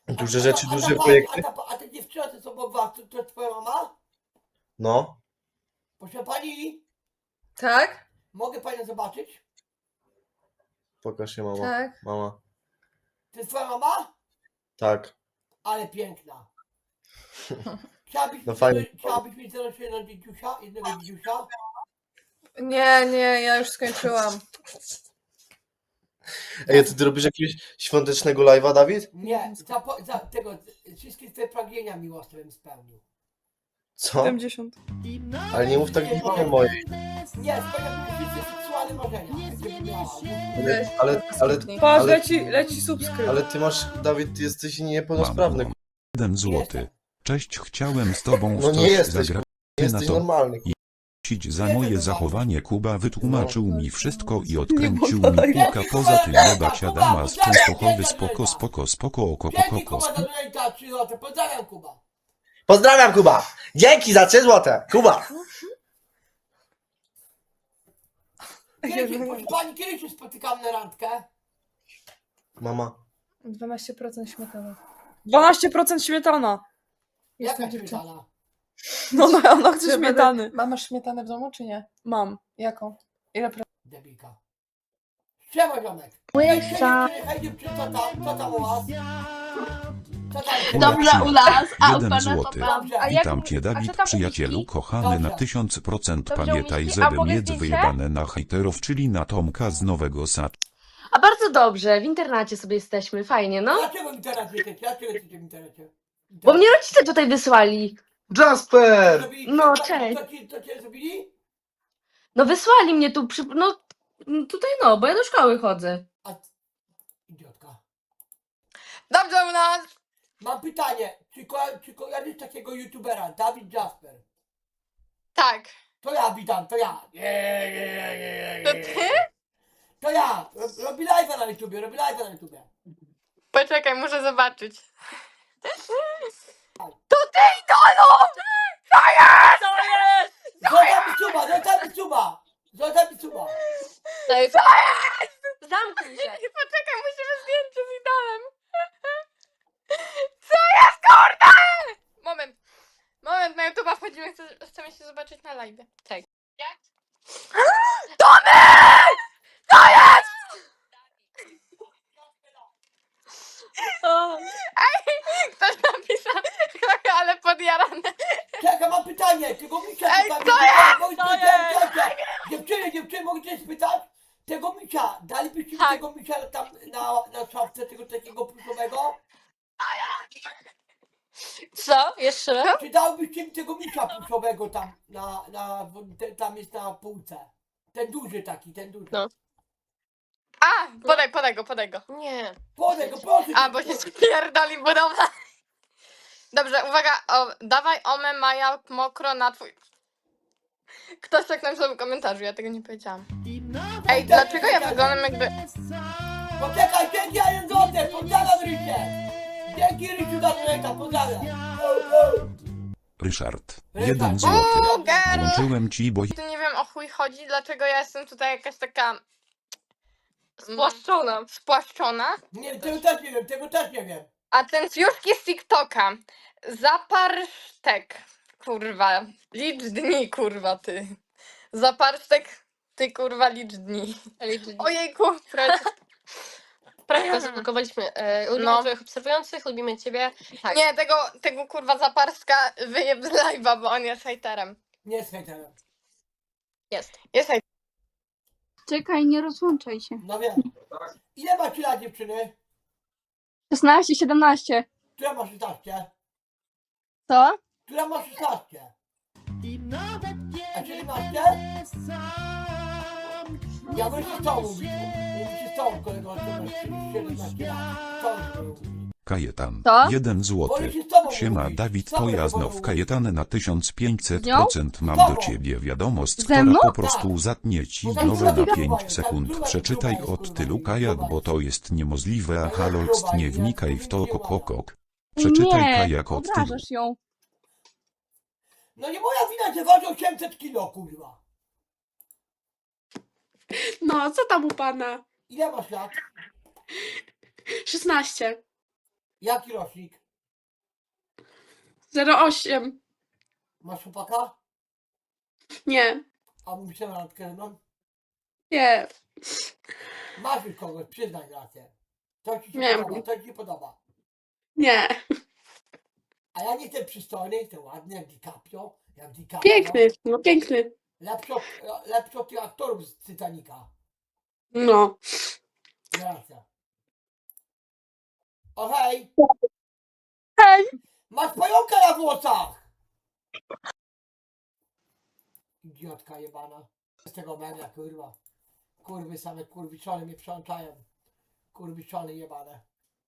Duże rzeczy, duże projekty. A ta dziewczyna, co obok was, to jest twoja mama? No. Proszę pani, Tak? mogę panią zobaczyć? Pokaż się, mama. Tak. Mama. To jest twoja mama? Tak. Ale piękna. Chciałabyś, No fajnie. chciałabyś mieć zaraz jednego dzidziusia? Nie, ja już skończyłam. Ej, a ty robisz jakiegoś świątecznego live'a, Dawid? Nie, za tego, wszystkie twoje pragnienia miłosne bym spełnił. Co? 70. Ale nie mów tak nie mojej. Nie, spełniam wszystkie seksualne marzenia, jakie bym miała. Patrz, ale, leci subskrypt. ale ty masz, Dawid, ty jesteś niepełnosprawny. Mam 1 złoty. Cześć, chciałem z tobą w No nie coś jesteś, zagrać nie na jesteś to. normalny. Za moje zachowanie Kuba wytłumaczył No. mi wszystko i odkręcił mi kilka. Poza tym jebać Adama z Częstochowy, spoko, oko, Dzięki koko, Kuba za donata 3 zł, pozdrawiam Kuba. Pozdrawiam, Kuba! Dzięki za 3 złote! Kuba! Proszę pani, kiedy się spotykamy na randkę? Mama. 12% śmietana. 12% śmietana. Jaka śmietana? No, ona chce śmietany. Masz śmietanę w domu, czy nie? Mam. Jaką? Ile Debilka. Siema, ziomek. Hej dziewczyny, co tam u was? Co tam? Dobrze u nas, a u 1 pana złoty. to dobrze. A Witam cię, Dawid, przyjacielu, kochany na 1000%. Pamiętaj, żeby mieć wyjebane na hejterów, czyli na Tomka z Nowego Sadu. A bardzo dobrze, w internacie sobie jesteśmy, fajnie, no. Dlaczego w internecie jesteście? Dlaczego jesteście w internecie? Bo mnie rodzice tutaj wysłali. Jasper! No, cześć. Co cię zrobili? No wysłali mnie tu, no tutaj no, bo ja do szkoły chodzę. A... Idiotka. Dobrze u nas! Mam pytanie, czy kojarzysz takiego youtubera, Dawid Jasper? Tak. To ja witam, to ja. To ty? To ja. Robi live'a na YouTubie, robi live'a na YouTubie. Poczekaj, muszę zobaczyć. Zostaw mi suba! Zamknij się. Poczekaj, musimy zdjęcie z idolem. Co jest, kurde? Moment, na YouTube'a wchodzimy, chcemy się zobaczyć na live. Tak. Jak? Tomek! Co jest? Ktoś napisał, ale podjarane. Czekaj, mam pytanie, tego misia Ej, tutaj- co jest? Co jest? Dziewczyny, mogę cię spytać? Tego misia, dalibyście mi Tak. tego misia tam na szafce, tego takiego pluszowego? Co? Jeszcze raz? Czy dałbyście mi tego misia pluszowego tam, tam jest na półce? Ten duży taki, ten duży. No. A, podaj go. Nie. Podaj go, proszę. A, bo się spierdoli budowla. Dobrze, uwaga, dawaj omę Maja mokro na twój... Ktoś tak napisał w komentarzu, ja tego nie powiedziałam. Ej, dlaczego ja wyglądam jakby... Poczekaj, dzięki, Jan Złotek, pozdrawiam Rysie. Dzięki Rysiu za donata, pozdrawiam. Ryszard. 1 złoty. Girl! Włączyłem ci, bo Tu nie wiem o chuj chodzi, dlaczego ja jestem tutaj jakaś taka... Spłaszczona. Spłaszczona. Nie, tego też nie wiem. A ten fiuszki z TikToka. Zaparsztek. Kurwa. Licz dni, kurwa, ty. Zaparsztek, ty kurwa licz dni. Ojejku. Prawie zablokowaliśmy. Lubimy No. twoich obserwujących, lubimy ciebie. Tak. Nie, tego kurwa Zaparszka wyjeb z live'a, bo on jest hejterem. Nie jest hejterem. Jest. Jest hejterem. Czekaj, nie rozłączaj się. No wiem. Ile macie lat, dziewczyny? 16, 17. Która ma 16? Co? Która ma 16? A 17? Ja bym się z tobą mówił. Mówię się z tobą, kolego, to masz 17 lat. Co bym mówił? Kajetan. Co? 1 złoty. Wolę się z tobą Siema, mówić. Dawid Z tobą Pojaznow. wolę Kajetan na 1500%. Mam Tobą. do ciebie wiadomość, Ze która mną? po prostu zatnie ci Bo tam nowe druga na gruba 5 jest, sekund. tam Przeczytaj druga od jest, tylu kurwa, kajak, gruba bo to jest niemożliwe, a Druga haloc, gruba nie jest, wnikaj w to, druga. kokokok. Przeczytaj Nie, kajak od tylu. obrażasz ją. No nie moja wina, że waży 800 kilo, kurwa. No, co tam u pana? Ile masz lat? 16. Jaki rocznik? 08. Masz chłopaka? Nie. A mówisz się na randkę ze mną? Nie. Masz już kogoś, przyznaj rację. To ci się Nie. podoba, to ci się podoba. Nie. A ja nie jestem przystojny, jestem ładny jak DiCaprio. Jak DiCaprio. Piękny. No piękny. Lepszy od tych aktorów z Titanica. No. Racja. O hej! Hej! Masz pająka na włosach! Idiotka jebana. Z tego media, kurwa. Kurwy same kurwiczone mnie przełączają. Kurwiczone jebane.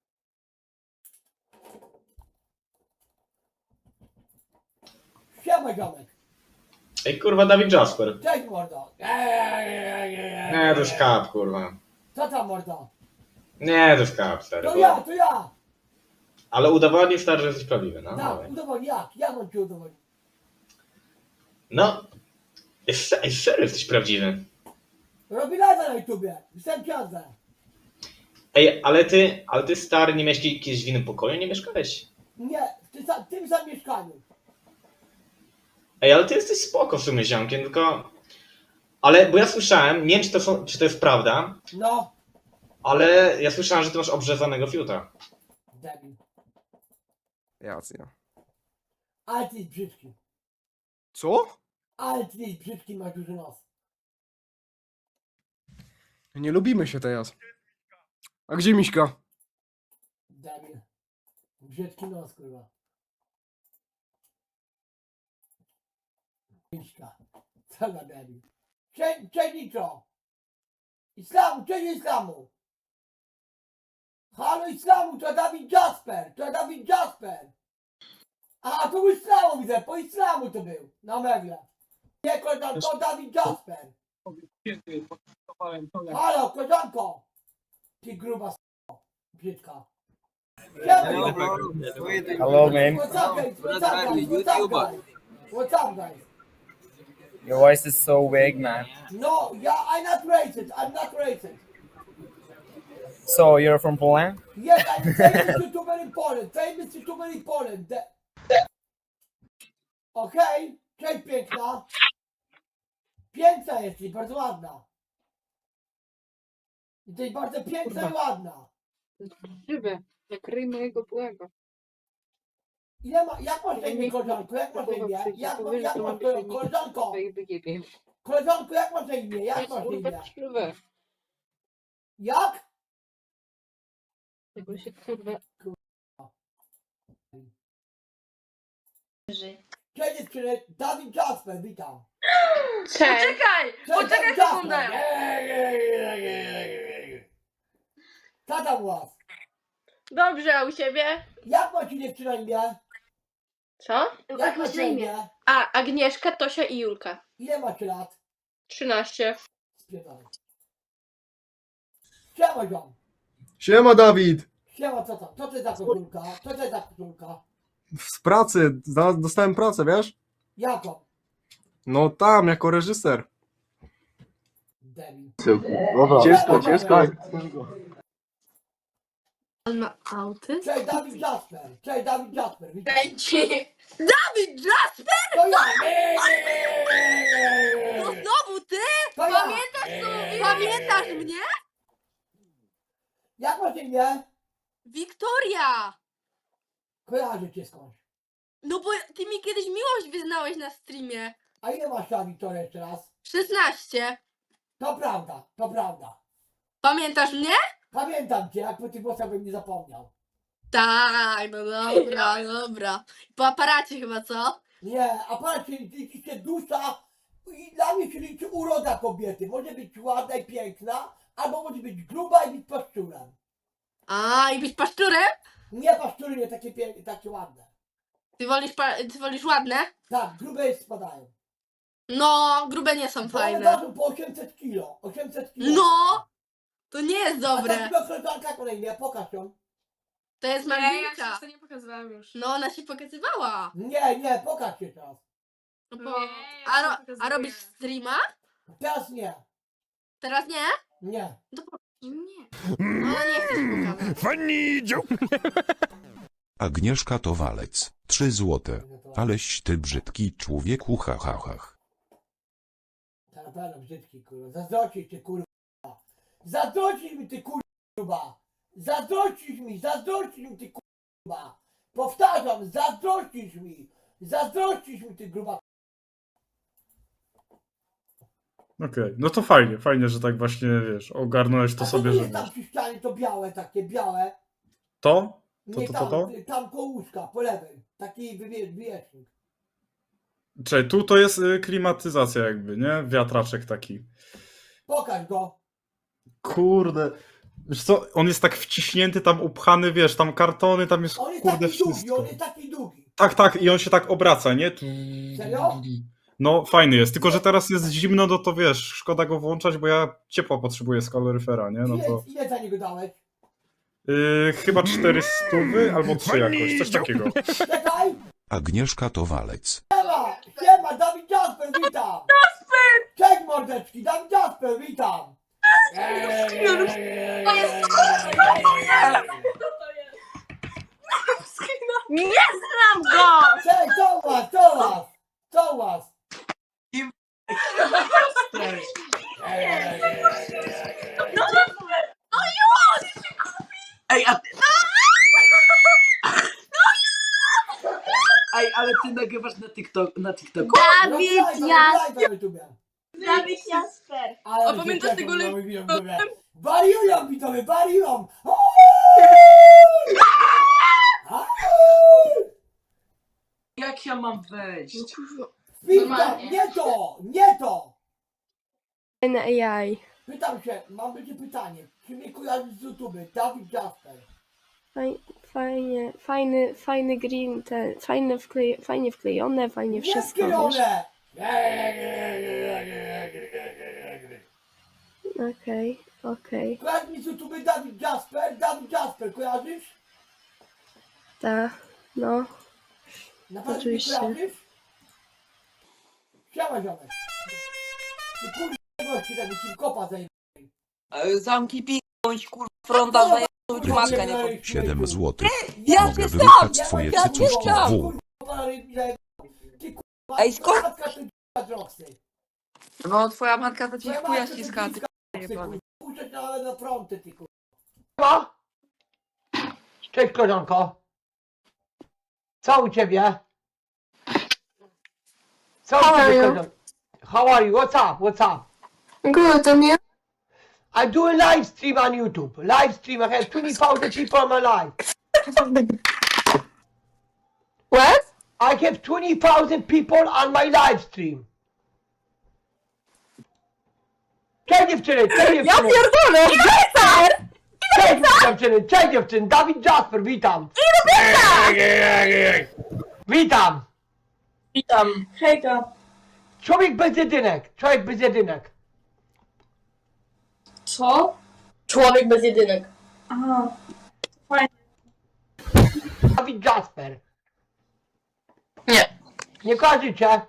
Siema ziomek. Ej, kurwa, Dawid Jasper. Cześć mordo. Nie, to już kap, kurwa. Co tam mordo? Nie, to już kap, stary. To ja. Ale udowodnij, stary, że jesteś prawdziwy, no. Tak, Dawaj. udowodnij jak? Jak mam ci udowodnić? No. Ej, serio jesteś prawdziwy. Robi lada na YouTubie. Jestem ksiądzę. Ej, ale ty, stary, nie miałeś kiedyś w innym pokoju, nie mieszkałeś? Nie, w tym samym mieszkaniu. Ej, ale ty jesteś spoko w sumie ziomkiem, tylko... Ale, bo ja słyszałem, nie wiem czy to jest prawda, No, ale ja słyszałem, że ty masz obrzezanego fiuta. debil. Jasne. Ale ty jest brzydki. Co? Ale ty jest brzydki, masz duży nos. Nie lubimy się teraz. A gdzie Miśka? Debil. Brzydki nos, kurwa. Miśka. Co za debil. Cześć Nitro. Islamu, cześć Islamu. Halo Islamu, to Dawid Jasper. To Dawid Jasper. A to był Islamu widzę, po Islamu to był. Na megle. Nie koleżanko, to Dawid Jasper. Halo, koleżanko. Ty gruba s***o. Brzydka. Siema. Hello, man. What's up, guys? What's up, guys? What's up, guys? What's up, guys? Your voice is so vague, man. No, yeah, I'm not racist. I'm not racist. So, you're from Poland? Yes, I'm famous YouTuber in Poland. Famous YouTuber in Poland. Okej, cześć piękna. Piękna jesteś, bardzo ładna. Jesteś bardzo piękna i ładna. Żywy. Jak ryj mojego byłego. Jak masz na imię, koleżanko? Jak masz na imię? Jak masz koleżanko? Koleżanko, jak masz na imię? Jak masz na imię? Żywy. Jak? Tego się kurwa. Cześć dziewczyny, Dawid Jasper, witam. Cześć. Poczekaj! Cześć, Poczekaj Dawid sekundę! Jasper. Co tam u was? Dobrze, a u siebie? Jak macie dziewczyna imię? Co? Jak macie na imię? A, Agnieszka, Tosia i Julka. Ile macie lat? 13. Spierdolę. Siema ziom. Siema, Dawid! Siema, co to? Co to jest za koszulka? Co to jest za koszulka? Z pracy, dostałem pracę, wiesz? Jaką? No tam, jako reżyser. Debil. Ciężko. On ma auty? Cześć, Dawid Jasper. Cześć, Dawid Jasper. Witam. Dawid Jasper! To ja! To znowu ty? To ja! Pamiętasz mnie? Jak masz na imię? Wiktoria! Kojarzę cię skądś. No bo ty mi kiedyś miłość wyznałeś na streamie. A ile masz lat, Wiktoria, jeszcze raz? 16. To prawda, to prawda. Pamiętasz mnie? Pamiętam cię, jak po tych głosach bym nie zapomniał. Tak, no dobra, dobra. Po aparacie chyba, co? Nie, a patrzcie, liczy się dusza i dla mnie się liczy uroda kobiety. Może być ładna i piękna, albo może być gruba i być paszczurem. A, i być paszczurem? Nie paszczury, nie takie piękne, takie ładne. Ty wolisz ładne? Tak, grube spadają. No, grube nie są One fajne. ważą po 800 kilo. 800 kilo. No! To nie jest A ta dobre. druga koleżanka, jak ona imię? Pokaż ją. To jest Malwinka. nie pokazywałam już. No, ona się pokazywała. Nie, pokaż się teraz. No, pokazuję. robisz streama? Teraz nie. Teraz nie? Nie. Nie. Ona nie chce się pokazać. Funny joke! Agnieszka to walec. 3 złote. Aleś ty brzydki człowieku, ha ha ha. To na pewno brzydki, kurwa. Zazdrościsz ty, kurwa. Zazdrościsz mi, ty, kurwa. Zazdrościsz mi, ty, kurwa. Powtarzam, zazdrościsz mi. Zazdrościsz mi, ty, gruba. Okej, no to fajnie, że tak właśnie, wiesz, ogarnąłeś to A co sobie, tu że jest tam wiesz. przy ścianie, to białe, takie białe. To? Nie, To? tam koło łóżka, po lewej. Taki wywiesznik. Czekaj, tu to jest klimatyzacja jakby, nie? Wiatraczek taki. Pokaż go. Kurde. Wiesz co, on jest tak wciśnięty, tam upchany, wiesz, tam kartony, tam jest On jest kurde taki długi, wszystko. on jest taki długi. Tak, i on się tak obraca, nie? Serio? No, fajny jest, tylko że teraz jest zimno, no to wiesz, szkoda go włączać, bo ja ciepła potrzebuję z kaloryfera, nie? No to Ile za niego dałeś? chyba 400 albo 3 jakoś, coś takiego. Czekaj! Agnieszka to walec. Siema, Dawid Jasper, witam! Jasper! Cześć mordeczki, Dawid Jasper, witam! Nie znam go! Cześć, co u was? Ej, a ty... Ej, ale ty nagrywasz na TikToku? Dawid Jasper! A pamiętasz tego Wariują widzowie, wariują! Jak ja mam wejść? Witam, nie to! Fajne AI. Pytam się, mam będzie pytanie. Czy mnie kojarzysz z YouTube? Dawid Jasper. Fajny green, fajnie wklejone, fajnie wszystko. Wiesz. Niesklejone! Okej. Kojarzysz mi z YouTube Dawid Jasper, kojarzysz? Tak, no. Na pewno Oczywiście. mnie kojarzysz? Siema ziomek. Ty kurwa gości tego ci kopa zajmie. Zamki piknąć, kurwa, fronta zajęć matkę, nie? 7 złotych. Ja Mogę się wyruchać znam! twoje Ja cycuszki znam! w. Ty kurwa, Ej, skąd? matka to drogsy. No, twoja matka to ci Twoja chuja matka to ściska, ci ty kurwa. Puszczać na fronty, ty kurwa. Cześć koleżanko. Co u ciebie? Co u ciebie, koleżanko? How are you? What's up? Good, and you? I do a live stream on YouTube. Live stream. I have 20,000 people on my live. What? I have 20,000 people on my live stream. Cześć dziewczyny, Ja pierdolę! Cześć dziewczyny, Dawid Jasper, witam. Witam. Witam. Hejka. Człowiek bez jedynek. Co? Człowiek bez jedynek. Aha. Dawid Jasper. Nie. Nie kojarzycie?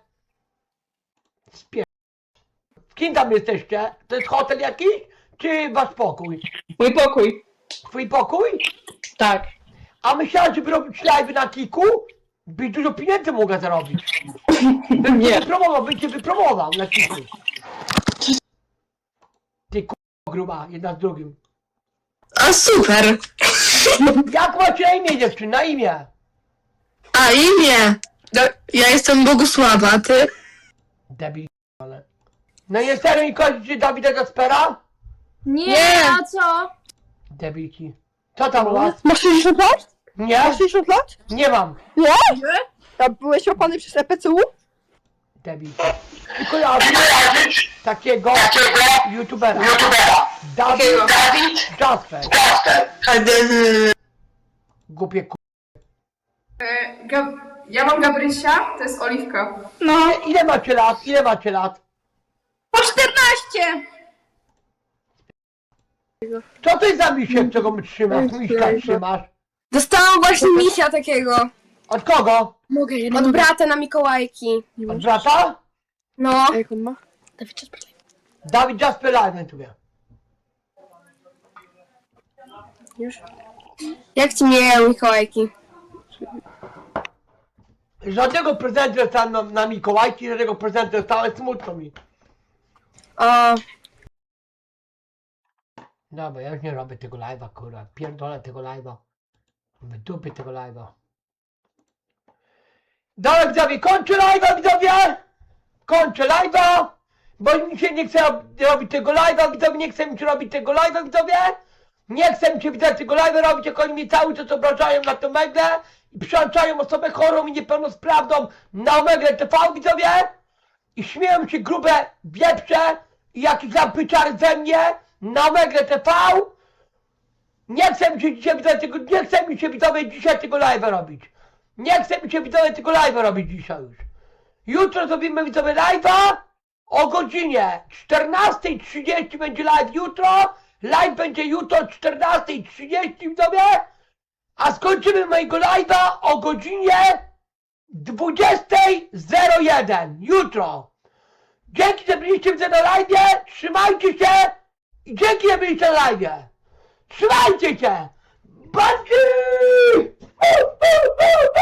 Z kim tam jesteście? To jest hotel jakiś? Czy wasz pokój? Mój pokój. Twój pokój? Tak. A myślałem, żeby robić live na Kiku? Byś dużo pieniędzy mogła zarobić. Bym cię wypromował na Kiku. Ty k***a gruba, jedna z drugim. A super. Jak macie na imię dziewczyn? Na imię? A imię? Ja jestem Bogusława, a ty? Debil, ale... No nie serio nie kojarzycie Dawida Jaspera? Nie, a co? Debilki. Co tam u was? Masz 60 lat? Nie? Masz 60 lat? Nie mam. Nie? A byłeś łapany przez EPCU? Debilki. Tylko ja takiego youtubera. Dawid Jasper. Głupie k***. Ja mam Gabrysia, to jest Oliwka. No. Ile macie lat? Po 14! Co to jest za misiek, czego my trzymasz? Miśka trzymasz. Dostałam właśnie misia takiego. Od kogo? Od brata na Mikołajki. Od brata? No. Jak on ma? Dawid Jasper live na YouTubie. Już? Jak ci mijają Mikołajki? Żadnego prezentu dostałem na Mikołajki, żadnego prezentu dostałem, smutno mi. A, Dobra, ja już nie robię tego live'a, kurwa. Pierdolę tego live'a. Wydupię tego live'a. Dobra, widzowie, kończę live'a, widzowie! Kończę live'a! Bo mi się nie chce robić tego live'a, widzowie, nie chce mi się robić tego live'a, widzowie! Nie chce mi się widać tego live'a robić, jak oni mnie cały czas obrażają na tę Meglę i przełączają osobę chorą i niepełnosprawną na Meglę TV, widzowie! I śmieją się grube wieprze i jakieś zapyczary ze mnie na Meglę TV! Nie chce mi się dzisiaj widzowie tego, nie chce mi się widzowie dzisiaj tego live'a robić. Nie chce mi się widzowie tego live'a robić dzisiaj już. Jutro zrobimy widzowie live'a o godzinie 14:30 będzie live jutro. Live będzie jutro o 14:30 widzowie. A skończymy mojego live'a o godzinie 20:01 jutro. Dzięki, że byliście widzę na live'ie. Trzymajcie się i dzięki, że byliście na live'ie. Trzymajcie się! Bandzi!